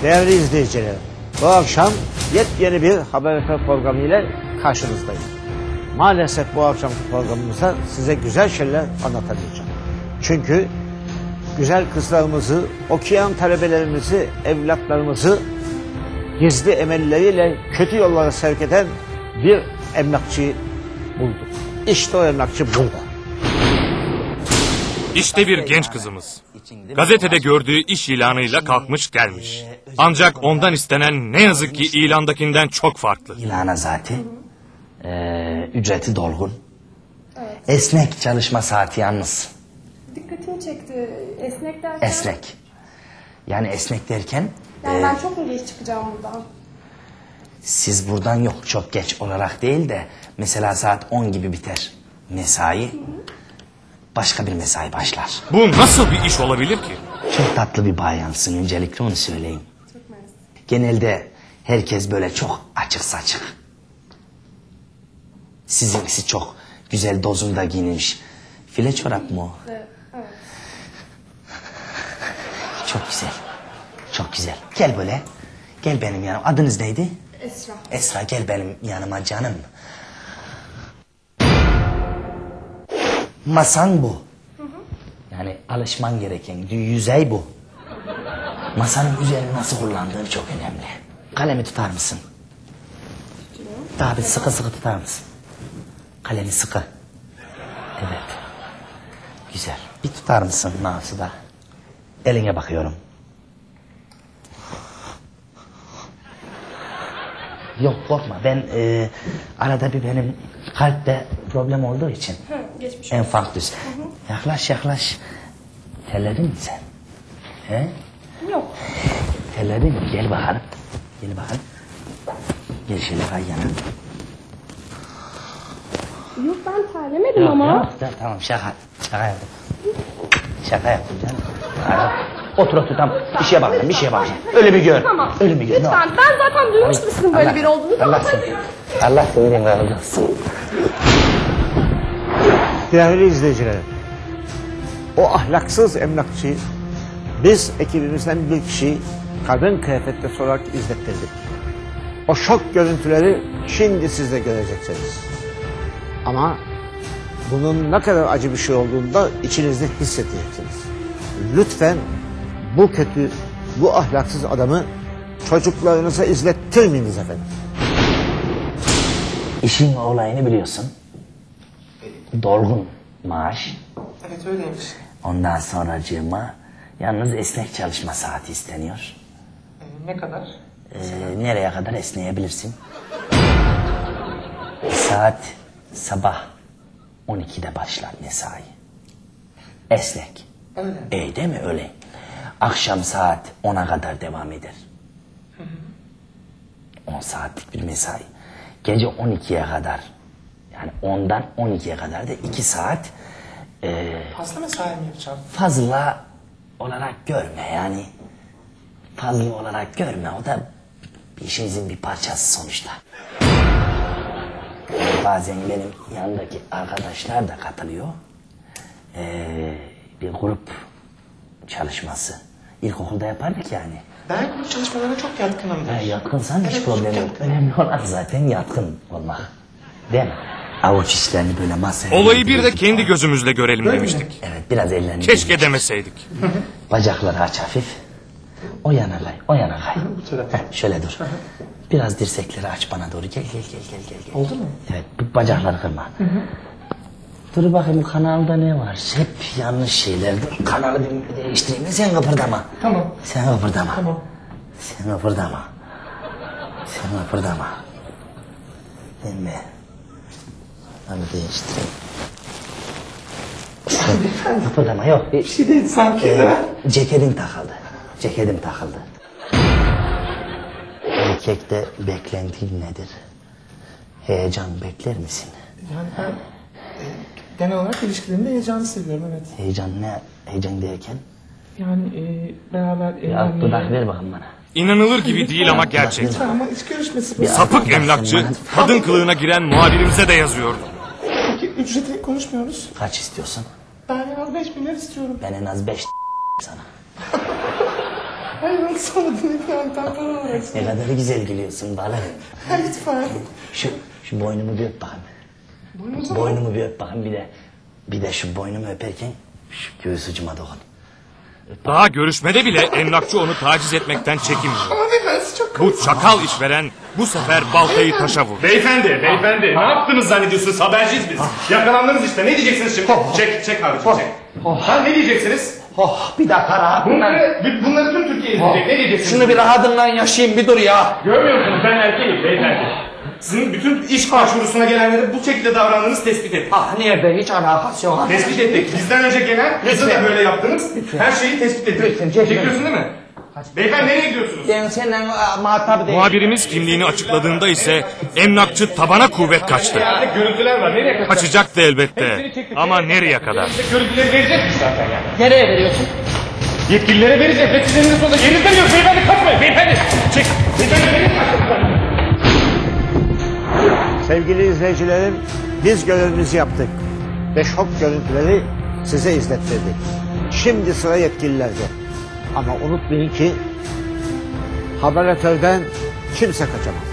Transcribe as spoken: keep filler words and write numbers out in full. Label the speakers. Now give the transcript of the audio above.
Speaker 1: Değerli izleyiciler, bu akşam yepyeni bir haber programı ile karşınızdayım. Maalesef bu akşamki programımızda size güzel şeyler anlatamayacağım. Çünkü güzel kızlarımızı, okuyan talebelerimizi, evlatlarımızı gizli emelleriyle kötü yollara sevk eden bir emlakçıyı bulduk. İşte o emlakçı burada.
Speaker 2: İşte bir genç kızımız. Gazetede gördüğü iş ilanıyla kalkmış gelmiş. Ancak ondan istenen ne yazık ki ilandakinden çok farklı.
Speaker 3: İlana zaten ee, ücreti dolgun. Evet. Esnek çalışma saati yalnız.
Speaker 4: Dikkatimi çekti. Esnek derken?
Speaker 3: Esnek. Yani esnek derken...
Speaker 4: Yani
Speaker 3: e,
Speaker 4: ben çok mu geç çıkacağım buradan?
Speaker 3: Siz buradan yok çok geç olarak değil de... Mesela saat on gibi biter mesai. Hı hı. Başka bir mesai başlar.
Speaker 2: Bu nasıl bir iş olabilir ki?
Speaker 3: Çok tatlı bir bayansın, öncelikle onu söyleyeyim.
Speaker 4: Çok mersi.
Speaker 3: Genelde herkes böyle çok açık saçık. Sizinkisi çok güzel dozunda giyinmiş. File çorap mı o?
Speaker 4: Evet, evet.
Speaker 3: Çok güzel. Çok güzel. Gel böyle. Gel benim yanıma. Adınız neydi?
Speaker 4: Esra.
Speaker 3: Esra gel benim yanıma canım. Masan bu. Hı hı. Yani alışman gereken yüzey bu. Masanın üzerini nasıl kullandığın çok önemli. Kalemi tutar mısın? Daha bir sıkı sıkı tutar mısın? Kalemi sıkı. Evet. Güzel. Bir tutar mısın mouse'u da? Eline bakıyorum. Yok korkma ben e, arada bir benim kalpte problem olduğu için.
Speaker 4: Hı, geçmiş olsun.
Speaker 3: Enfarktüs. Hı hı. Yaklaş yaklaş. Terledin mi sen? He?
Speaker 4: Yok.
Speaker 3: Terledin mi? Gel bakalım. Gel bakalım. Gel şöyle kay yana.
Speaker 4: Yok ben terlemedim
Speaker 3: Yok,
Speaker 4: ama.
Speaker 3: Yok, tamam şaka. Şaka yaptım. Şaka yaptım canım. Tamam. Otur otur tamam. Bir şeye bakacağım bir şeye bakacağım. Öyle bir gör.
Speaker 4: Tamam.
Speaker 3: Öyle bir gör.
Speaker 4: Lütfen ben zaten duymuştum sizin böyle biri olduğunu.
Speaker 3: Allah seni. Allah seni razı olsun.
Speaker 1: Değerli izleyiciler, o ahlaksız emlakçıyı biz ekibimizden bir kişiyi kadın kıyafette sorarak izlettirdik. O şok görüntüleri şimdi siz de göreceksiniz. Ama bunun ne kadar acı bir şey olduğunu da içinizde hissedeceksiniz. Lütfen bu kötü, bu ahlaksız adamı çocuklarınıza izlettirmeyiniz efendim.
Speaker 3: İşin olayını biliyorsun. Dolgun maaş.
Speaker 5: Evet öyleymiş.
Speaker 3: Ondan sonracığıma yalnız esnek çalışma saati isteniyor.
Speaker 5: Ee, ne kadar?
Speaker 3: Ee, nereye kadar esneyebilirsin? Saat sabah on ikide başlar mesai. Esnek.
Speaker 5: Öyle.
Speaker 3: E değil mi öyle? Akşam saat ona kadar devam eder.
Speaker 5: Hı hı.
Speaker 3: on saatlik bir mesai. Gece on ikiye kadar. Yani ondan on ikiye kadar da iki saat. E,
Speaker 5: Fazla mesai mi yapacağım?
Speaker 3: fazla olarak görme yani. Fazla olarak görme. O da bir işinizin bir parçası sonuçta. Bazen benim yanındaki arkadaşlar da katılıyor. Ee, bir grup çalışması. İlkokulda yapardık yani.
Speaker 5: Ben bu çalışmalara çok yatkınımdır.
Speaker 3: Ha, yatkınsan hiç
Speaker 5: Evet,
Speaker 3: problem
Speaker 5: çok
Speaker 3: yok.
Speaker 5: yatkınım.
Speaker 3: Önemli olan zaten yatkın olmak. Değil mi? Avuç işlerini böyle masaya...
Speaker 2: Olayı bir de kendi gözümüzle görelim demiştik.
Speaker 3: Evet biraz ellerini...
Speaker 2: Keşke demeseydik.
Speaker 3: Bacakları aç hafif. O yana kay, o yana kay.
Speaker 5: Bu tarafa.
Speaker 3: Heh, şöyle dur. Biraz dirsekleri aç bana doğru. Gel gel gel gel gel. gel.
Speaker 5: Oldu mu?
Speaker 3: Evet, bu bacakları kırma. Hı hı. Dur bakayım kanalda ne var? Hep yanlış şeyler. Dur, kanalı bir değiştireyim. Sen kıpırdama.
Speaker 5: Tamam.
Speaker 3: Sen kıpırdama.
Speaker 5: Tamam.
Speaker 3: Sen kıpırdama. Sen kıpırdama. Ben mi? Onu değiştireyim. Sen kıpırdama yok.
Speaker 5: Bir şey değil sanki.
Speaker 3: Ee, ceketim takıldı. Ceketim takıldı. Erkekte beklentin nedir? Heyecan bekler misin?
Speaker 5: Yani ben e, genel olarak ilişkilerimde heyecanı seviyorum evet.
Speaker 3: Heyecan ne? Heyecan derken?
Speaker 5: Yani e, beraber
Speaker 3: Bir alt dudak
Speaker 5: evlenmeyi...
Speaker 3: ver bakın bana.
Speaker 2: İnanılır gibi değil ama gerçek.
Speaker 5: Lütfen ama iç görüşmesi bu.
Speaker 3: Bir
Speaker 2: Sapık emlakçı kadın kılığına giren muhabirimize de yazıyordu.
Speaker 5: Peki ücreti konuşmuyoruz.
Speaker 3: Kaç istiyorsun?
Speaker 5: Ben en az beş bin lira istiyorum.
Speaker 3: Ben en az beş sana.
Speaker 5: Hayır nasıl olmadı lütfen ben para olarak.
Speaker 3: Ne kadar güzel gülüyorsun balım.
Speaker 5: Lütfen.
Speaker 3: Şu, şu boynumu bir öp bakayım. Boynumu bir öp bakayım bir de. Bir de şu boynumu öperken şu göğüs ucuma dokun.
Speaker 2: Daha görüşmede bile emlakçı onu taciz etmekten çekinmiyor.
Speaker 5: Ama beyefendi siz çok
Speaker 2: Bu çakal işveren bu sefer baltayı taşa vurdu.
Speaker 6: Beyefendi, beyefendi. Ne yaptınız zannediyorsunuz? Haberciyiz biz. Yakalandınız işte. Ne diyeceksiniz şimdi? Çek, çek abicim, çek. Ha, ne diyeceksiniz?
Speaker 3: Oh bir dakika rahat.
Speaker 6: Bunları, bunları tüm Türkiye izleyecek. Ne diyeceksiniz?
Speaker 3: Şunu bir rahatından yaşayayım bir dur ya.
Speaker 6: Görmüyor musunuz? Ben erkeğim beyefendi. Sizin bütün iş başvurusuna gelenlere bu şekilde davrandığınız tespit ettik.
Speaker 3: Ah nerede hiç alakası yok.
Speaker 6: Tespit ettik. Bizden önce gelen, kızı da böyle yaptınız. Her şeyi tespit ettik.
Speaker 3: Lütfen, çekme.
Speaker 6: Çekiyorsun değil mi? Beyefendi nereye gidiyorsunuz?
Speaker 3: Ben senden muhatap değilim.
Speaker 2: Muhabirimiz kimliğini açıkladığında ise emlakçı tabana kuvvet kaçtı.
Speaker 6: Yerde görüntüler var. Nereye kaçacak?
Speaker 2: Kaçacaktı elbette. Ama nereye kadar?
Speaker 6: Görüntüleri verecekmiş zaten yani.
Speaker 3: Nereye veriyorsun?
Speaker 6: Yetkililere vereceğiz. Ve sizin elinize sonunda yerinizden yok. Beyefendi kaçmayın. Beyefendi. Çek. Beyefendi verin.
Speaker 1: Sevgili izleyicilerim, biz görevimizi yaptık ve şok görüntüleri size izlettirdik. Şimdi sıra yetkililerde. Ama unutmayın ki haberletörden kimse kaçamaz.